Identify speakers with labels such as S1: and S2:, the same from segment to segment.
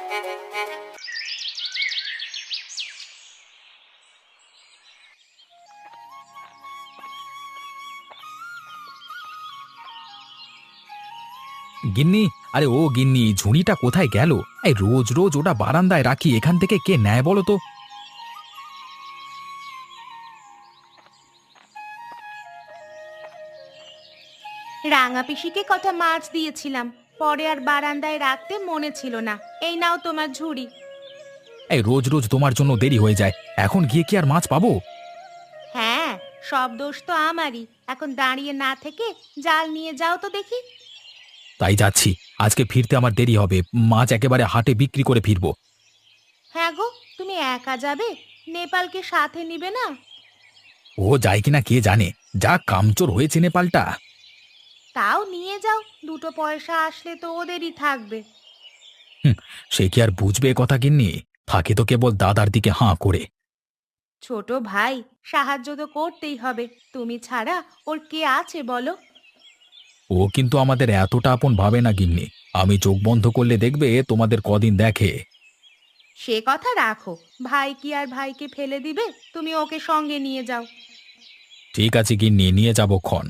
S1: গিন্নি, আরে ও গিন্নি, ঝুড়িটা কোথায় গেল? এই রোজ রোজ ওটা বারান্দায় রাখি, এখান থেকে কে নেয় বলো তো?
S2: রাঙা পিসিকে কটা মাছ দিয়েছিলাম, পরে আর বারান্দায় রাখতে মনে ছিল না। এই নাও তোমার ঝুড়ি।
S1: এই রোজ রোজ তোমার জন্য দেরি হয়ে যায়, এখন গিয়ে কি আর মাছ পাবো?
S2: হ্যাঁ, সব দোষ তো আমারই। এখন দাঁড়িয়ে না থেকে জাল নিয়ে যাও তো দেখি।
S1: তাই যাচ্ছি। আজকে ফিরতে আমার দেরি হবে, মাছ একেবারে হাটে বিক্রি করে ফিরবো।
S2: হ্যাঁ গো, তুমি একা যাবে? নেপালকে সাথে নিবে না?
S1: ও যায় কিনা কে জানে, যা কামচোর হয়েছে নেপালটা।
S2: তাও নিয়ে যাও, দুটো পয়সা আসলে তো ওদেরই থাকবে।
S1: হুম, সে কি আর বুঝবে এ কথা গিন্নি? থাকে তো কেবল দাদার দিকে হাঁ করে।
S2: ছোট ভাই, সাহায্য তো করতেই হবে। তুমি ছাড়া ওর কে আছে বলো?
S1: ও কিন্তু আমাদের এতটা আপন ভাবে না গিন্নি। আমি চোখ বন্ধ করলে দেখবে তোমাদের কদিন দেখে।
S2: সে কথা রাখো, ভাই কি আর ভাইকে ফেলে দিবে? তুমি ওকে সঙ্গে নিয়ে যাও।
S1: ঠিক আছে গিন্নি, নিয়ে যাবো ক্ষণ।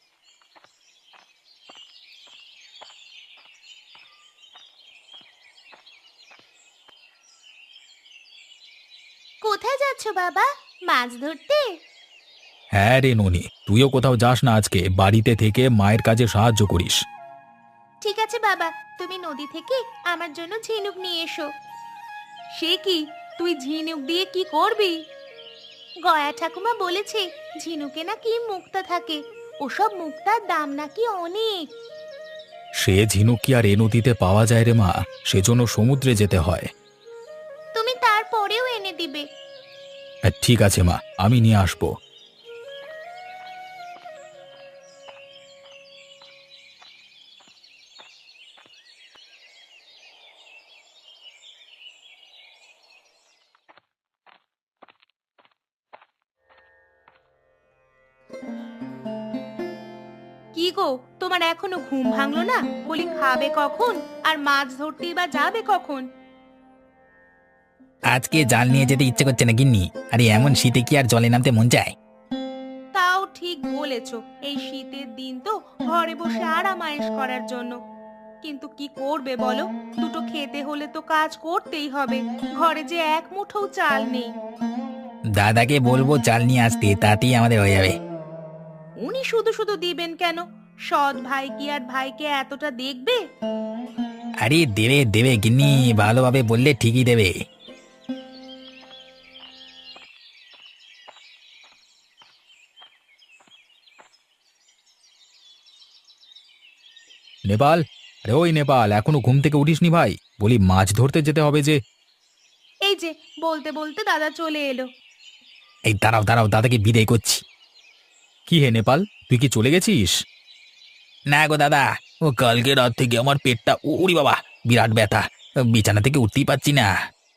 S2: কোথায় যাচ্ছ বাবা? মাছ ধরতে?
S1: হ্যাঁ রে ননি, তুইও কোথাও যাস না আজকে, বাড়িতে থেকে মায়ের কাজে সাহায্য করিস।
S2: ঠিক আছে বাবা, তুমি নদী থেকে আমার জন্য ঝিনুক নিয়ে এসো। সে কি, তুই ঝিনুক দিয়ে কি করবি? গয়া ঠাকুমা বলেছে ঝিনুকে নাকি মুক্তা থাকে। ওসব মুক্তার দাম নাকি অনেক।
S1: সে ঝিনুক কি আর এ নদীতে পাওয়া যায় রে মা? সেজন্য সমুদ্রে যেতে হয়।
S2: তুমি তারপরেও এনে দিবে?
S1: হ্যাঁ, ঠিক আছে মা, আমি নিয়ে আসবো।
S2: কি গো, তোমার এখনো ঘুম ভাঙলো না? বলি খাবে কখন? আর মাছ ধরতেই বা যাবে কখন?
S3: আজকে জাল নিয়ে যেতে ইচ্ছে করছে না গিন্নি। আরে এমন শীতে কি আর জলে নামতে মন চায়?
S2: তাও ঠিক বলেছো, এই শীতের দিন তো ঘরে বসে আরাম আয়েশ করার জন্য। কিন্তু কি করবে বলো, দুটো খেতে হলে তো কাজ করতেই হবে। ঘরে যে এক মুঠো চাল নেই।
S3: দাদাকে বলবো চাল নিয়ে আসতে, তাতেই আমাদের হয়ে যাবে।
S2: উনি শুধু শুধু দিবেন কেন? সৎ ভাই কি আর ভাইকে এতটা দেখবে?
S3: আরে দেবে দেবে গিন্নি, ভালোভাবে বললে ঠিকই দেবে।
S1: নেপাল, আরে ওই নেপাল, এখনো ঘুম থেকে উঠিসনি ভাই? বলি মাছ ধরতে যেতে হবে যে।
S2: এই যে, বলতে বলতে দাদা চলে এলো।
S3: এই দাঁড়াও দাঁড়াও, দাদাকে বিদায় করছি।
S1: কি হে নেপাল, তুই কি চলে গেছিস?
S3: না গো দাদা, ও কালকে রাত থেকে আমার পেটটা উড়ি বাবা, বিরাট ব্যথা। বিছানা থেকে উঠতেই পারছি না।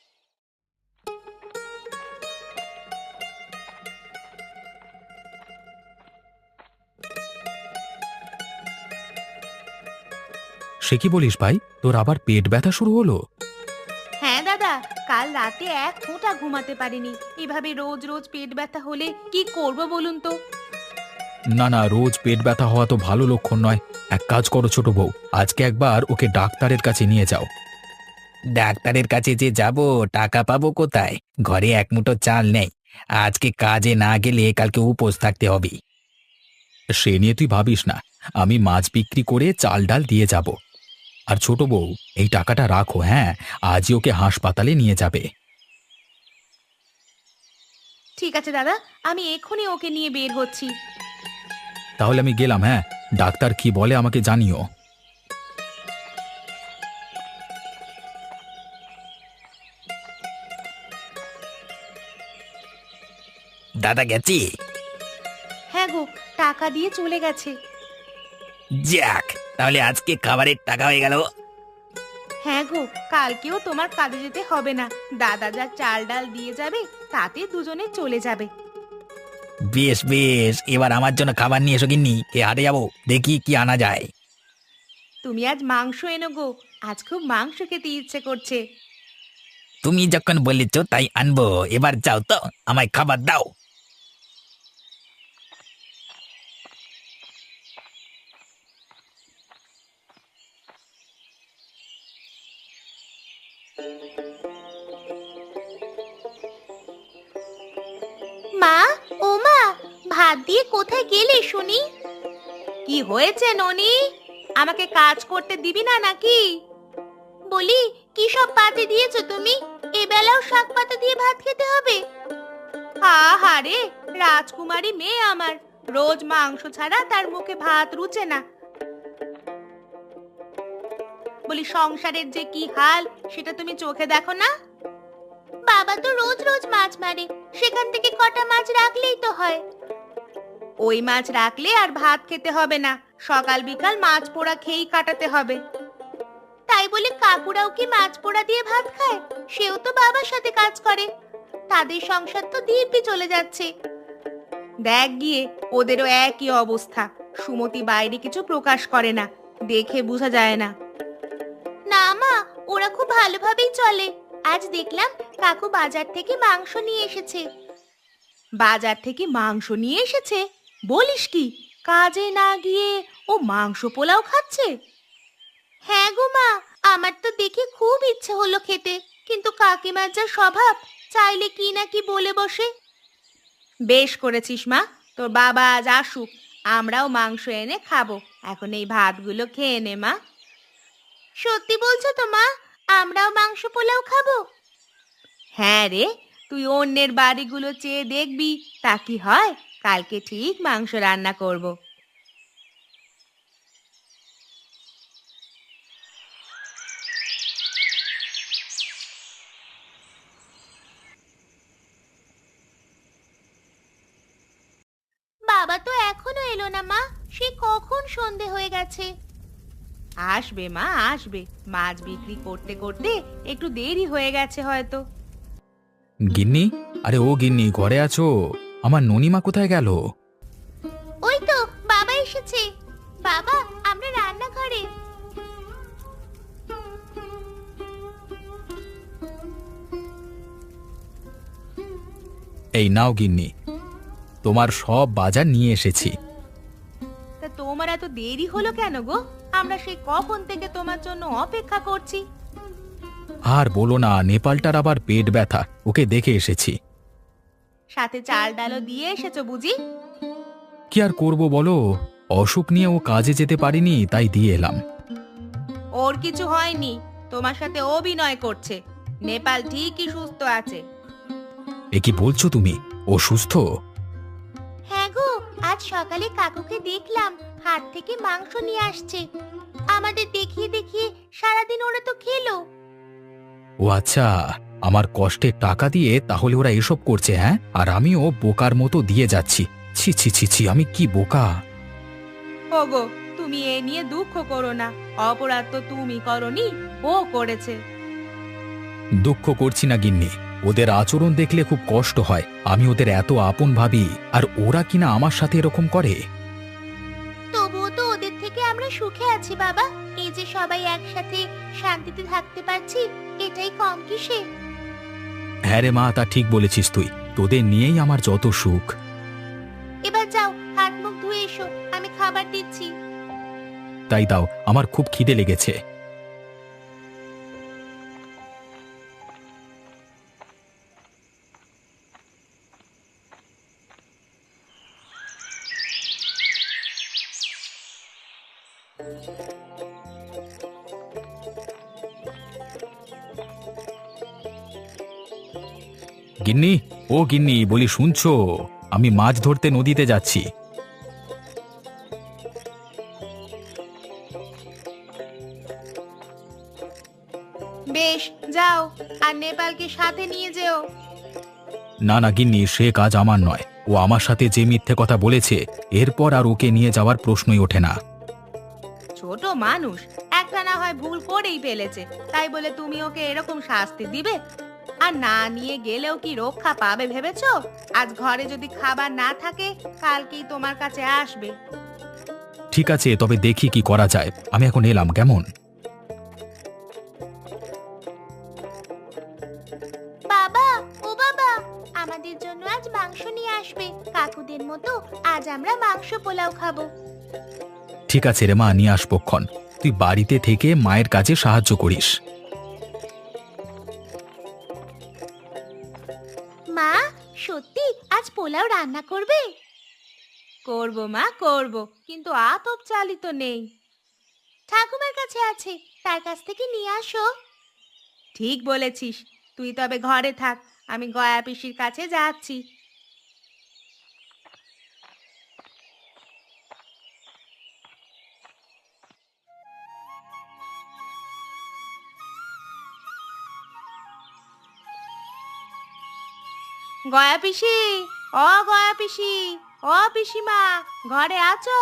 S1: সে কি বলিস ভাই, তোর আবার পেট ব্যথা শুরু হলো?
S2: হ্যাঁ দাদা, কাল রাতে এক ফোঁটা ঘুমাতে পারিনি। এভাবে রোজ রোজ পেট ব্যথা হলে কি করব বলুন তো?
S1: না না, রোজ পেট ব্যথা হওয়া তো ভালো লক্ষণ নয়। এক কাজ করো ছোট বউ, আজকে একবার ওকে ডাক্তারের কাছে নিয়ে যাও।
S3: ডাক্তারের কাছে যে যাব, টাকা পাবো কোথায়? ঘরে এক মুঠো চাল নেই। আজকে কাজে না গেলে কালকে উপোস থাকতে হবে।
S1: সে নিয়ে তুই ভাবিস না, আমি মাছ বিক্রি করে চাল ডাল দিয়ে যাব। আর ছোট বউ, এই টাকাটা রাখো, হ্যাঁ, আজই ওকে হাসপাতালে নিয়ে যাবে।
S2: ঠিক আছে দাদা, আমি এক্ষুনি ওকে নিয়ে বের হচ্ছি।
S1: তাহলে আমি গেলাম, হ্যাঁ। ডাক্তার কি বলে আমাকে জানিও।
S3: দাদা গেছি।
S2: হ্যাঁ গো, টাকা দিয়ে চলে গেছে।
S3: যাক, তাহলে আজকে খাবারের টাকা হয়ে গেল।
S2: হ্যাঁ গো, কালকেও তোমার কাজে যেতে হবে না। দাদা যা চাল ডাল দিয়ে যাবে, তাতে দুজনে চলে যাবে।
S3: বেশ বেশ, এবার আমার জন্য খাবার নিয়ে এসো গিন্নি, হাটে যাবো, দেখি কি আনা যায়।
S2: তুমি আজ মাংস এনো গো, আজ খুব মাংস খেতে ইচ্ছে করছে।
S3: তুমি যখন বলেছ তাই আনবো। এবার যাও তো, আমায় খাবার দাও।
S2: মা, ও মা, ভাত দিয়ে কোথায় গেলে শুনি? কি হয়েছে ননি? আমাকে কাজ করতে দিবি না নাকি? বলি, কি সব পাতে দিয়েছো তুমি? এবেলাও শাক পাতা দিয়ে ভাত খেতে হবে? আহারে, রাজকুমারী মেয়ে আমার, রোজ মাংস ছাড়া তার মুখে ভাত রুচে না। বলি, সংসারের যে কি হাল সেটা তুমি চোখে দেখো না? বাবা তো রোজ রোজ মাছ মারে, সেখান থেকে কটা মাছ রাখলেই তো হয়। ওই মাছ রাখলে আর ভাত খেতে হবে না, সকাল বিকাল মাছ পোড়া খেয়েই কাটাতে হবে। তাই বলে কাকুরাও কি মাছ পোড়া দিয়ে ভাত খায়? সেও তো বাবার সাথে কাজ করে, তাদের সংসার তো দিব্যি চলে যাচ্ছে। দেখ গিয়ে, ওদেরও একই অবস্থা। সুমতি বাইরে কিছু প্রকাশ করে না, দেখে বোঝা যায় না। না মা, ওরা খুব ভালোভাবেই চলে। আজ দেখলাম কাকু বাজার থেকে মাংস নিয়ে এসেছে। বাজার থেকে মাংস নিয়ে এসেছে? বলিস কি, কাজে না গিয়ে ও মাংস পোলাও খাচ্ছে? হ্যাঁ গো মা, আমার তো দেখে খুব ইচ্ছে হলো খেতে, কিন্তু কাকিমার যা স্বভাব, চাইলে কি না কি বলে বসে। বেশ করেছিস মা, তোর বাবা আজ আসুক, আমরাও মাংস এনে খাবো। এখন এই ভাতগুলো খেয়ে নে মা। সত্যি বলছো তো মা? আমরাও মাংস পোলাও খাবো? হ্যাঁ রে, তুই অন্যের বাড়িগুলো চেয়ে দেখবি, তা কি হয়? কালকে ঠিক মাংস রান্না করব। বাবা তো এখনো এলো না মা, সে কখন সন্ধে হয়ে গেছে। আসবে মা, আসবে। মাছ বিক্রি করতে করতে একটু দেরি হয়ে গেছে হয়তো।
S1: গিন্নি, আরে ও গিন্নি, ঘরে আছো? আমার ননিমা কোথায় গেল?
S2: ওই তো বাবা এসেছে। বাবা, আমরা রান্নাঘরে।
S1: এই নাও গিন্নি, তোমার সব বাজার নিয়ে এসেছি।
S2: তা তোমার এত দেরি হলো কেন গো? আমরা সেই কখন থেকে তোমার জন্য অপেক্ষা করছি।
S1: আর বলো না, নেপালটার আবার পেট ব্যথা, ওকে দেখে এসেছি।
S2: সাথে চাল ডালও দিয়ে এসেছো বুঝি?
S1: কি আর করব বলো, অসুখ নিয়ে ও কাজে যেতে পারিনি, তাই দিয়ে এলাম।
S2: ওর কিছু হয়নি, তোমার সাথে অভিনয় করছে। নেপাল ঠিকই সুস্থ আছে।
S1: এ কি বলছো তুমি? ও সুস্থ?
S2: হ্যাঁ গো, আজ সকালে কাকুকে দেখলাম হাট থেকে মাংস নিয়ে আসছে। আমাদের দেখিয়ে দেখিয়ে সারাদিন ওরা তো খেলো।
S1: ও আচ্ছা, আমার কষ্টের টাকা দিয়ে তাহলে ওরা এসব করছে, হ্যাঁ? আর আমিও বোকার মতো দিয়ে যাচ্ছি। ছি ছি ছি ছি, আমি কি বোকা!
S2: ওগো, তুমি এ নিয়ে দুঃখ করো না, অপরাধ তো তুমি করনি, ও করেছে।
S1: দুঃখ করছি না গিন্নি, ওদের আচরণ দেখলে খুব কষ্ট হয়। আমি ওদের এত আপন ভাবি, আর ওরা কিনা আমার সাথে এরকম করে।
S2: তবুও তো ওদের থেকে আমরা সুখে আছি বাবা। এই যে সবাই একসাথে শান্তিতে থাকতে পারছি, এটাই কম কিসে?
S1: হ্যাঁ রে মা, তা ঠিক বলেছিস তুই। তোদের নিয়েই আমার যত সুখ।
S2: এবার যাও, হাত মুখ ধুয়ে এসো, আমি খাবার দিচ্ছি।
S1: তাই দাও, আমার খুব খিদে লেগেছে। গিন্নি, ও গিন্নি, বলি শুনছো? আমি মাছ ধরতে নদীতে যাচ্ছি।
S2: বেশ, যাও, আর নেপালকে সাথে নিয়ে যেও।
S1: না না গিন্নি, সে কাজ আমার নয়। ও আমার সাথে যে মিথ্যে কথা বলেছে, এরপর আর ওকে নিয়ে যাওয়ার প্রশ্নই ওঠে না।
S2: ছোট মানুষ, একটা না হয় ভুল করেই ফেলেছে, তাই বলে তুমি ওকে এরকম শাস্তি দিবে? আর না নিয়ে গেলেও কি রক্ষা পাবে ভেবেছো? আজ ঘরে যদি খাবার না থাকে, কালকেই তোমার কাছে আসবে।
S1: ঠিক আছে, তবে দেখি কি করা যায়। আমি এখন এলাম, কেমন?
S2: আমাদের জন্য আজ মাংস নিয়ে আসবে। কাকুদের মতো আজ আমরা মাংস পোলাও খাবো।
S1: ঠিক আছে রে মা, নিয়ে আসবক্ষণ। তুই বাড়িতে থেকে মায়ের কাজে সাহায্য করিস।
S2: মা, সত্যি আজ পোলাও রান্না করবে? করব মা, করব, কিন্তু আতপ চালই তো নেই। ঠাকুমার কাছে আছে, তার কাছ থেকে নিয়ে আসো। ঠিক বলেছিস, তুই তবে ঘরে থাক, আমি গয়া পিসির কাছে যাচ্ছি। গয়া পিসি, ও গয়া পিসি, ও পিসিমা, ঘরে আছো?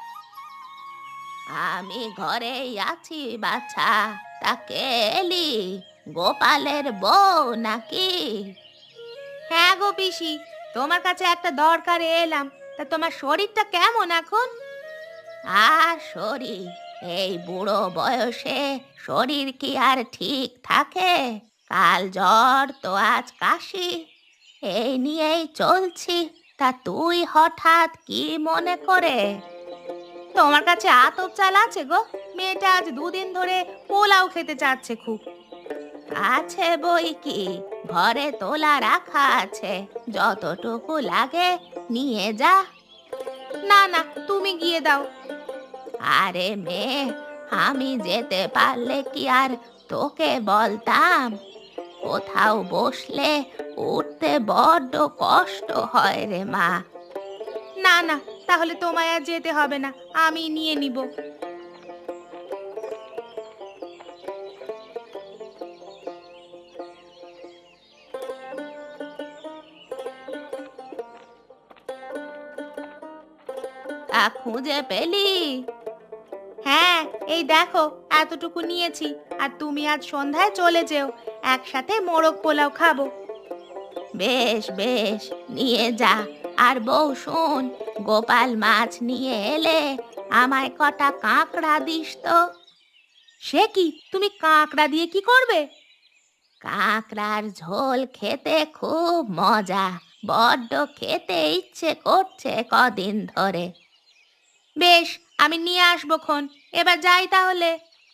S2: আমি ঘরেই আছি বাছা। তাকে এলি, গোপালের বউ নাকি? হ্যাঁ গো পিসি, তোমার কাছে একটা দরকারে এলাম। তা তোমার শরীরটা কেমন এখন? আর শরীর, এই বুড়ো বয়সে শরীর কি আর ঠিক থাকে? কাল জ্বর তো আজ কাশি, এই নিয়েই চলছি। তা তুই হঠাৎ কি মনে করে? তোমার কাছে আতপ চাল আছে গো? মেয়েটা আজ দুদিন ধরে পোলাও খেতে চাচ্ছে খুব। আছে বই কি, ঘরে তোলা রাখা আছে, যতটুকু লাগে নিয়ে যা। না না, তুমি গিয়ে দাও। আরে মেয়ে, আমি যেতে পারলে কি আর তোকে বলতাম? কোথাও বসলে উঠতে বড্ড কষ্ট হয় রে মা। না না, তাহলে তোমায় আর যেতে হবে না, আমি নিয়ে নিব। তা খুঁজে পেলি? হ্যাঁ, এই দেখো এতটুকু নিয়েছি। আর তুমি আজ সন্ধ্যায় চলে যেও, একসাথে মোরগ পোলাও খাবো। বেশ বেশ, নিয়ে যা। আর বউ শোন, গোপাল মাছ নিয়ে এলে আমায় কটা কাঁকড়া দিস তো। সে কি, তুমি কাঁকড়া দিয়ে কি করবে? কাঁকড়ার ঝোল খেতে খুব মজা, বড্ড খেতে ইচ্ছে করছে কদিন ধরে। বেশ, আমি নিয়ে আসবো খন। এবার যাই তাহলে।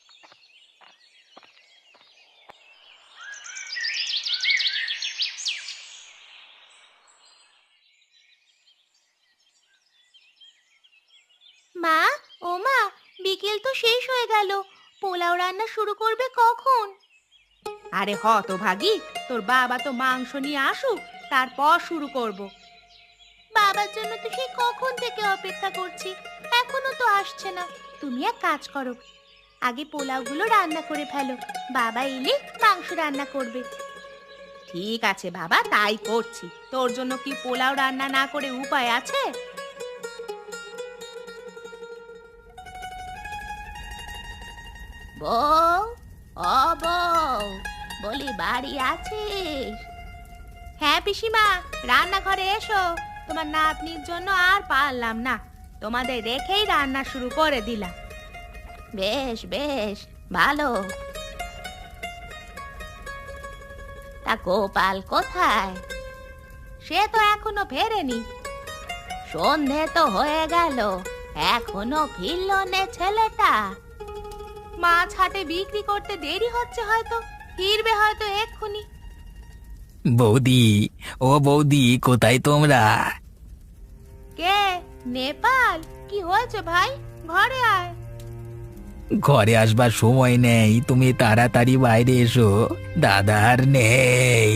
S2: মা, ও মা, বিকেল তো শেষ হয়ে গেল, পোলাও রান্না শুরু করবে কখন? আরে হতভাগী, তোর বাবা তো মাংস নিয়ে আসুক, তারপর শুরু করব। বাবার জন্য তো সেই কখন থেকে অপেক্ষা করছি, এখনো তো আসছে না। তুমি এক কাজ করো, আগে পোলাওগুলো রান্না করে ফেলো, বাবা এলে মাংস রান্না করবে। ঠিক আছে বাবা, তাই করছি। তোর জন্য কি পোলাও রান্না না করে উপায় আছে? বউ, ও বউ, বলি বাড়ি আছিস? হ্যাঁ পিসিমা, রান্নাঘরে এসো। তোমার নাতনির জন্য আর পারলাম না, তোমাদের রেখেই রান্না শুরু করে দিলাম। বেশ বেশ, ভালো। তা গোপাল কোথায়? সে তো এখনো ফেরেনি। সন্ধে তো হয়ে গেল, এখনো ফিরল নে ছেলেটা। মাছ হাটে বিক্রি করতে দেরি হচ্ছে হয়তো, ফিরবে হয়তো এক্ষুনি।
S3: বৌদি, ও বৌদি, কোথায় তোমরা?
S2: কে? নেপাল? কি হয়েছে ভাই, ঘরে আয়।
S3: ঘরে আসবার সময় নেই, তুমি তাড়াতাড়ি বাইরে এসো, দাদা আর নেই।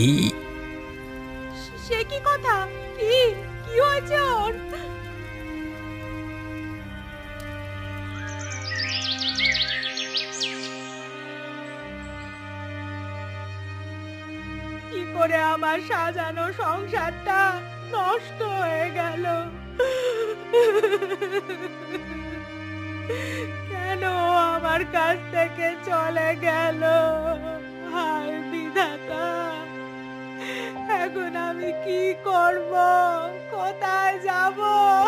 S2: সে কি কথা? কি কি হয়েছে ওর? কি করে আমার সাজানো সংসারটা নষ্ট হয়ে গেল? কেন ও আমার কাছ থেকে চলে গেল? হায় বিধাতা, এখন আমি কি করব? কোথায় যাব?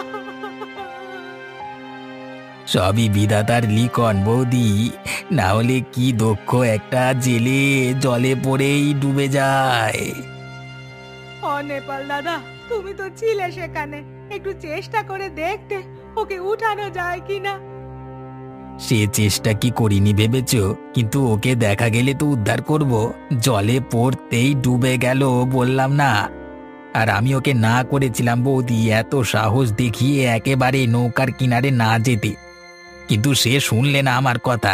S3: সবই বিধাতার লিখন বৌদি, না হলে কি দক্ষ একটা জেলে জলে পড়েই ডুবে যায়।
S2: নেপাল দাদা, তুমি তো ছিলে সেখানে, একটু চেষ্টা করে দেখতে ওকে উঠানো যায় কিনা।
S3: সে চেষ্টা কি করিনি ভেবেছ? কিন্তু ওকে দেখা গেলে তো উদ্ধার করব। জলে পড়তেই ডুবে গেল, বললাম না। আর আমি ওকে না করেছিলাম বৌদি, এত সাহস দেখিয়ে একেবারে নৌকার কিনারে না যেতে। কিন্তু সে শুনলে না আমার কথা।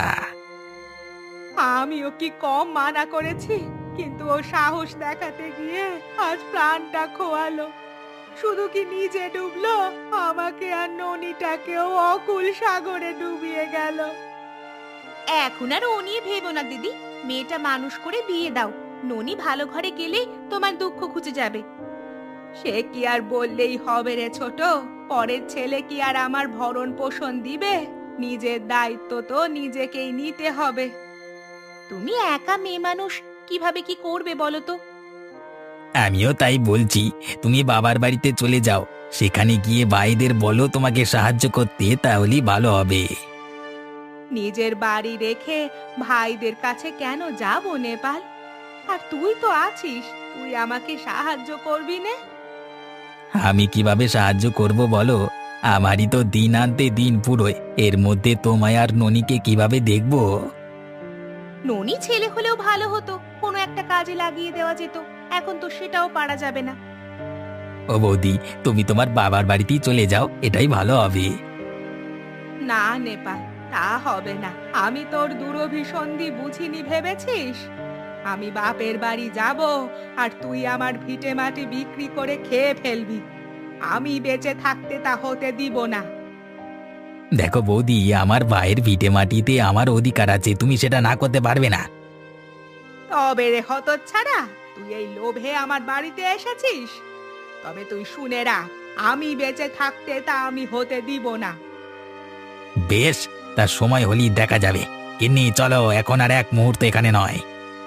S2: আমিও কি কম মানা করেছি, কিন্তু ও সাহস দেখাতে গিয়ে আজ প্রাণটা খোয়ালো। শুধু কি নিজে ডুবলো, আমাকে আর ননিটাকেও অকুল সাগরে ডুবিয়ে গেল। এখন আর ও নিয়ে ভেবো না দিদি, মেয়েটা মানুষ করে বিয়ে দাও। ননি ভালো ঘরে গেলে তোমার দুঃখ ঘুচে যাবে। সে কি আর বললেই হবে রে ছোট, পরের ছেলে কি আর আমার ভরণ পোষণ দিবে? নিজের দায়িত্ব তো নিজেকেই নিতে হবে। তুমি একা মেয়ে মানুষ, কিভাবে কি করবে বলো তো?
S3: আমিও তাই বলছি, তুমি বাবার বাড়িতে চলে যাও। সেখানে গিয়ে ভাইদের বলো তোমাকে সাহায্য করতে, তাহলেই ভালো হবে।
S2: নিজের বাড়ি রেখে ভাইদের কাছে কেন যাব নেপাল? আর তুই তো আছিস, তুই আমাকে সাহায্য করবি না?
S3: আমি কিভাবে সাহায্য করব বলো? আমারই তো দিন আনতে দিন পুরোয়, এর মধ্যে তোমায় আর ননিকে কিভাবে দেখবো?
S2: ননি ছেলে হলেও ভালো হতো, কোনো একটা কাজে লাগিয়ে দেওয়া যেত। এখন তো সেটাও পারা যাবে না।
S3: ও বৌদি, তুমি তোমার বাবার বাড়িতেই চলে যাও, এটাই ভালো হবে।
S2: না নেপাল, তা হবে না। আমি তোর দুরভিসন্ধি বুঝিনি ভেবেছিস? আমি বাপের বাড়ি যাব আর তুই আমার ভিটে মাটি বিক্রি করে খেয়ে ফেলবি। আমি বেঁচে থাকতে তা হতে দিব না।
S3: দেখো বৌদি, আমার ভাইয়ের ভিটে মাটিতে আমার অধিকার আছে, তুমি সেটা না করতে পারবে না।
S2: তবে রে হতচ্ছাড়া, তুই এই লোভে আমার বাড়িতে এসেছিস? তবে তুই শুনে রাখ, আমি বেঁচে থাকতে তা আমি হতে দিব না।
S3: বেশ, তার সময় হলেই দেখা যাবে। গিন্নি চলো, এখন আর এক মুহূর্ত এখানে নয়।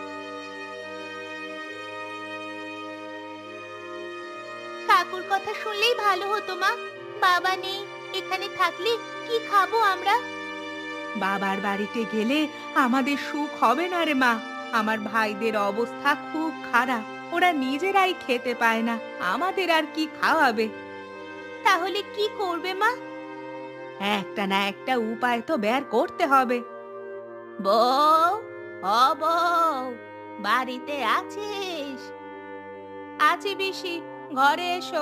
S2: কাকুর কথা শুনলেই ভালো হতো মা। বাবা নেই, এখানে থাকলে কি খাবো আমরা? বাবার বাড়িতে গেলে আমাদের সুখ হবে না রে মা। আমার ভাইদের অবস্থা খুব খারাপ, ওরা নিজেরাই খেতে পায় না, আমাদের আর কি খাওয়াবে? তাহলে কি করবে মা? একটা না একটা উপায় তো বের করতে হবে। বউ, ও বউ, বাড়িতে আছিস? আছি পিসি, ঘরে এসো।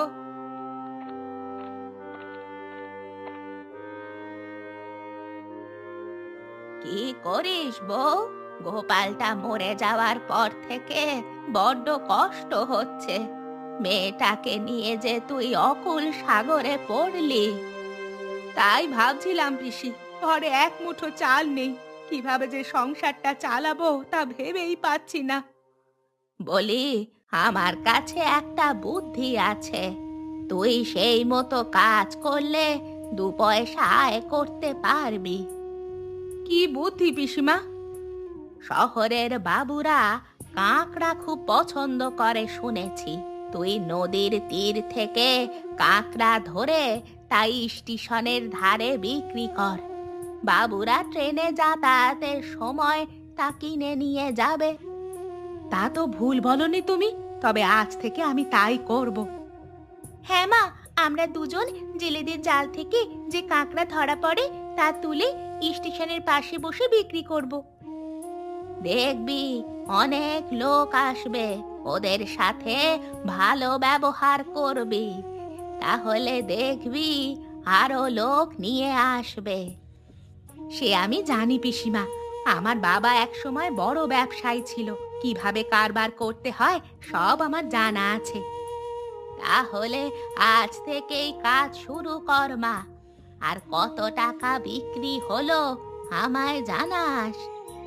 S2: কি করিস বউ? গোপালটা মরে যাওয়ার পর থেকে বড্ড কষ্ট হচ্ছে। মেয়েটাকে নিয়ে যে তুই অকুল সাগরে পড়লি। তাই ভাবছিলাম পিসি, ঘরে এক মুঠো চাল নেই, কিভাবে যে সংসারটা চালাবো তা ভেবেই পাচ্ছি না। বলি, আমার কাছে একটা বুদ্ধি আছে। তুই সেই মতো কাজ করলে 2 পয়সা আয় করতে পারবি। কি বুদ্ধি পিসিমা? শহরের বাবুরা কাঁকড়া খুব পছন্দ করে শুনেছি। তুই নদীর তীর থেকে কাঁকড়া ধরে তাই স্টেশনের ধারে বিক্রি কর। বাবুরা ট্রেনে যাতায়াতের সময় তা কিনে নিয়ে যাবে। তা তো ভুল বলনি তুমি, তবে আজ থেকে আমি তাই করব। হ্যাঁ মা, আমরা দুজন জেলেদের জাল থেকে যে কাঁকড়া ধরা পড়ে তা তুলে স্টেশনের পাশে বসে বিক্রি করব। দেখবি অনেক লোক আসবে, ওদের সাথে ভালো ব্যবহার করবি, তাহলে দেখবি আরো লোক নিয়ে আসবে। সে আমি জানি পিসিমা, আমার বাবা এক সময় বড় ব্যবসায়ী ছিল, কিভাবে কারবার করতে হয় সব আমার জানা আছে। তাহলে আজ থেকেই কাজ শুরু কর মা, আর কত টাকা বিক্রি হলো আমায় জানাস।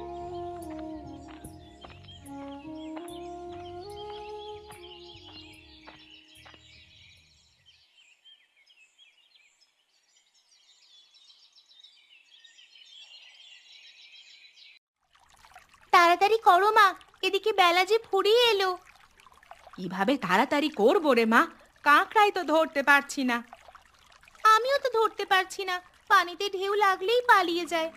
S2: তাড়াতাড়ি করো মা, এদিকে বেলা যে ফুরিয়ে এলো। কিভাবে তাড়াতাড়ি করবো রে মা, কাঁকড়াই তো ধরতে পারছি না। আমিও তো ধরতে পারছি না, পানিতে ঢেউ লাগলেই পালিয়ে যায়।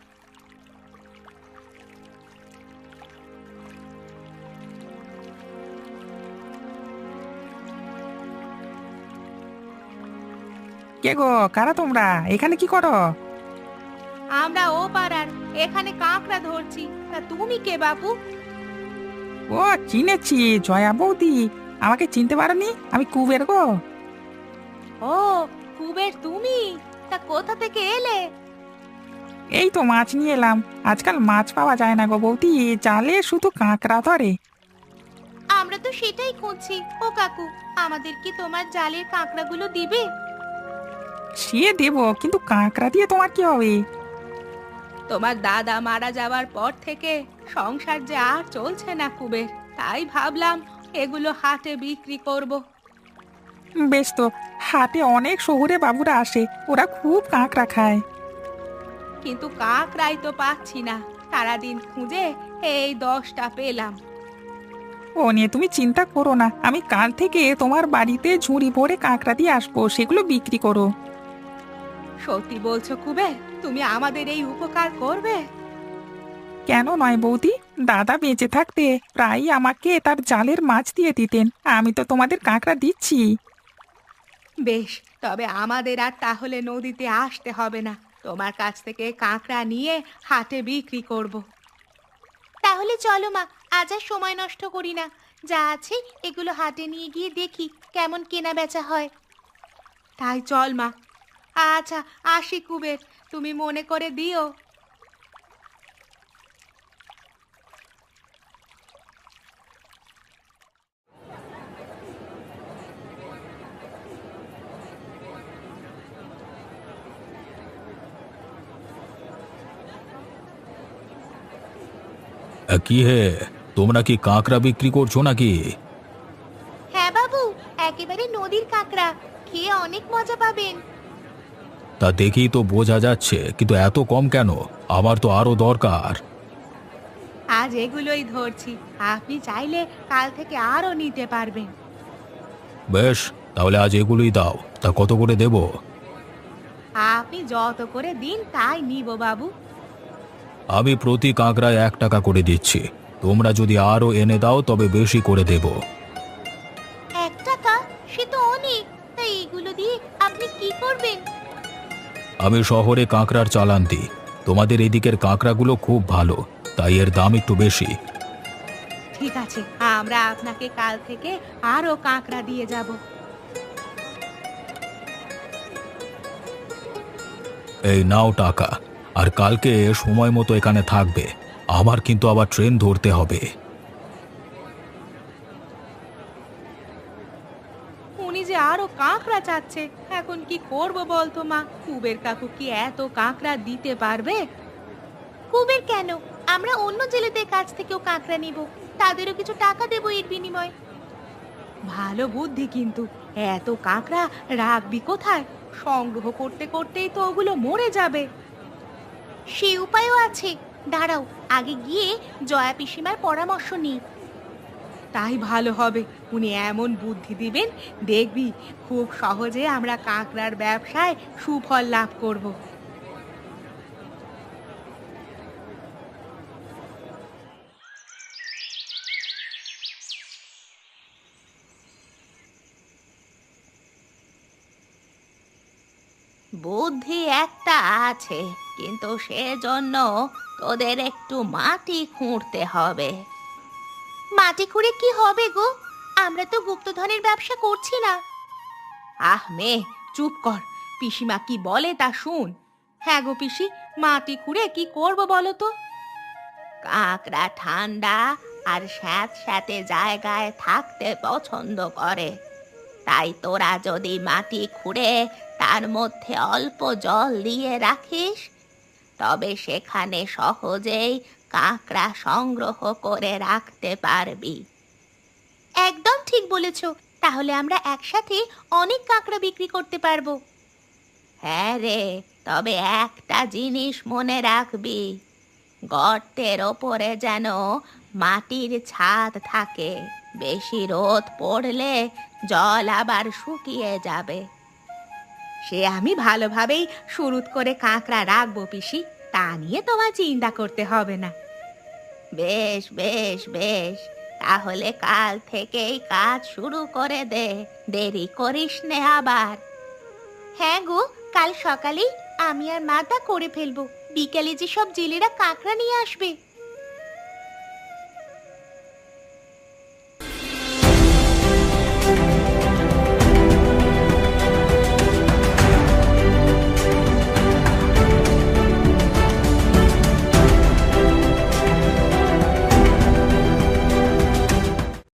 S4: কে গো, কারা তোমরা? এখানে কি করো?
S2: আমরা ও পাড়ার, এখানে কাঁকড়া ধরছি। তা তুমি কে বাবু?
S4: ও, চিনেছি, জয়া বৌদি। আমাকে চিনতে পারোনি? আমি কুবের গো।
S2: ও, কুবের তুমি? তা কোথা থেকে এলে?
S4: এই তো মাছ নিয়ে এলাম। আজকাল মাছ পাওয়া যায় না গো বৌদি, জালে শুধু কাঁকড়া ধরে।
S2: আমরা তো সেটাই খুঁজছি। ও কাকু, আমাদের কি তোমার জালের কাঁকড়াগুলো দিবে?
S4: সে দেবো, কিন্তু কাঁকড়া দিয়ে তোমার কি হবে?
S2: তোমার দাদা মারা যাওয়ার পর থেকে সংসার যে আর চলছে না কুবের, তাই ভাবলাম এগুলো হাটে বিক্রি করব।
S4: বেশ তো, হাটে অনেক শহুরে বাবুরা আসে, ওরা খুব কাঁকড়া খায়।
S2: কিন্তু কাঁকড়াই তো পাচ্ছি না। সারাদিন খুঁজে এই 10টা পেলাম।
S4: ও নিয়ে তুমি চিন্তা করো না, আমি কাল থেকে তোমার বাড়িতে ঝুড়ি ভরে কাঁকড়া দিয়ে আসবো, সেগুলো বিক্রি করো।
S2: সত্যি বলছো কুবের? তুমি আমাদের এই উপকার করবে?
S4: কেন নয় বৌদি, দাদা বেঁচে থাকতে প্রায়ই আমাকে তার জালের মাছ দিয়ে দিতেন, আমি তো তোমাদের কাঁকড়া দিচ্ছি।
S2: বেশ, তবে আমাদের আর তাহলে নদীতে আসতে হবে না। তোমার কাছ থেকে কাঁকড়া নিয়ে হাটে বিক্রি করব। তাহলে চলো মা, আজ আর সময় নষ্ট করি না। যা আছে এগুলো হাটে নিয়ে গিয়ে দেখি কেমন কেনা বেচা হয়। তাই চল মা। আচ্ছা, আসি কুবের, তুমি মনে করে দিও।
S1: কি হে, তোমরা কি কাঁকড়া বিক্রি করছো নাকি?
S2: হ্যাঁ বাবু, একেবারে নদীর কাঁকড়া, খেয়ে অনেক মজা পাবেন।
S1: তা দেখেই তো বোঝা যাচ্ছে, কিন্তু এত কম কেন? আমার তো আরো দরকার।
S2: আজ এগুলোই ধরছি, আপনি চাইলে কাল থেকে আরো নিতে পারবেন।
S1: বেশ, তাহলে আজ এগুলোই দাও। তা কত করে দেব?
S2: আপনি যত করে দিন তাই নিব বাবু।
S1: আমি প্রতি কাঁকড়ায় 1 টাকা করে দিচ্ছি। তোমরা যদি আরো এনে দাও তবে বেশি করে দেব।
S2: 1 টাকা? সে তো অনেক। তাই এগুলো দিয়ে আপনি কি করবেন?
S1: আমি শহরে কাঁকড়ার চালান দিই। তোমাদের এদিকের কাঁকড়াগুলো খুব ভালো, তাই এর দাম একটু বেশি।
S2: ঠিক আছে, আমরা আপনাকে কাল থেকে আরো কাঁকড়া দিয়ে যাব।
S1: এই নাও টাকা, আর কালকে সময় মতো এখানে থাকবে। আমার কিন্তু আবার ট্রেন ধরতে হবে।
S2: উনি যে আরো কাঁকড়া চাচ্ছে, এখন কি করব বলতো মা? কুবের কাকু কি এত কাঁকড়া দিতে পারবে? কুবের কেন, আমরা অন্য জেলেদের কাছ থেকেও কাঁকড়া নিব, তাদেরও কিছু টাকা দেবো এর বিনিময়ে। ভালো বুদ্ধি, কিন্তু এত কাঁকড়া রাখবি কোথায়? সংগ্রহ করতে করতেই তো ওগুলো মরে যাবে। সে উপায়ও আছে, দাঁড়াও, আগে গিয়ে জয়া পিসিমার পরামর্শ নিই। তাই ভালো হবে, উনি এমন বুদ্ধি দিবেন, দেখবি খুব সহজে আমরা কাঁকড়ার ব্যবসায় সুফল লাভ করব। বুদ্ধি একটা আছে, কিন্তু সেজন্য তোদের একটু মাটি খুঁড়তে হবে। মাটি খুঁড়ে কি হবে গো? আমরা তো গুপ্তধনের ব্যবসা করছি না। আহ মে, চুপ কর। পিসিমা কি বলে তা শুন। হ্যাঁ গো পিসি, মাটি খুঁড়ে কি করব বলো তো? কাকড়া ঠান্ডা আর স্যাঁতস্যাঁতে জায়গায় থাকতে পছন্দ করে। তাই তোরা যদি মাটি খুঁড়ে তার মধ্যে অল্প জল দিয়ে রাখিস, তবে সেখানে সহজেই কাঁকড়া সংগ্রহ করে রাখতে পারবি। একদম ঠিক বলেছো, তাহলে আমরা একসাথে অনেক কাঁকড়া বিক্রি করতে পারবো। হ্যাঁ রে, তবে একটা জিনিস মনে রাখবি, গর্তের ওপরে যেন মাটির ছাদ থাকে। বেশি রোদ পড়লে জল আবার শুকিয়ে যাবে। সে আমি ভালোভাবেই সুরুত করে কাঁকড়া রাখবো পিসি, তা নিয়ে তোমার চিন্তা করতে হবে না। বেশ বেশ বেশ, তাহলে কাল থেকেই কাজ শুরু করে দে, দেরি করিস নে আবার। হ্যাঁ গো, কাল সকালেই আমি আর মা তা করে ফেলবো। বিকালে যে সব জেলেরা কাঁকড়া নিয়ে আসবে